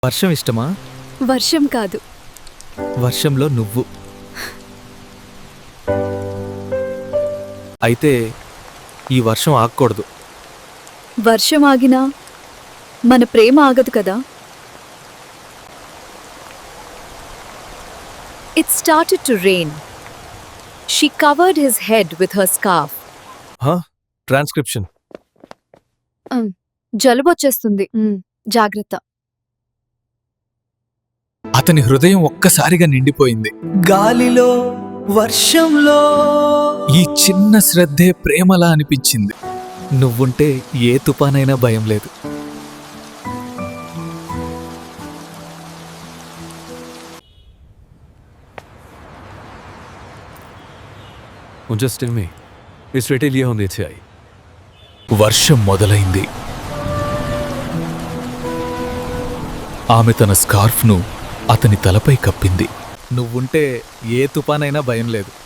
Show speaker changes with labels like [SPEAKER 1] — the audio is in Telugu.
[SPEAKER 1] వర్షం ఇష్టమా?
[SPEAKER 2] వర్షం కాదు,
[SPEAKER 1] వర్షంలో నువ్వు. అయితే ఈ వర్షం ఆగకూడదు.
[SPEAKER 2] వర్షం ఆగినా మన ప్రేమ ఆగదు కదా. It started to rain. She covered his head with her scarf.
[SPEAKER 1] Transcription.
[SPEAKER 2] జలుబొచ్చేస్తుంది, జాగ్రత్త.
[SPEAKER 1] అతని హృదయం ఒక్కసారిగా నిండిపోయింది. గాలిలో, వర్షంలో ఈ చిన్న శ్రద్ధే ప్రేమలా అనిపించింది. నువ్వుంటే ఏ తుఫానైనా భయం లేదు.
[SPEAKER 3] Just tell me, इस रेटे लिया होने चाहिए.
[SPEAKER 1] వర్షం మొదలైంది. ఆమె తన స్కార్ఫ్ను అతని తలపై కప్పింది. నువ్వుంటే ఏ తుఫానైనా భయం లేదు.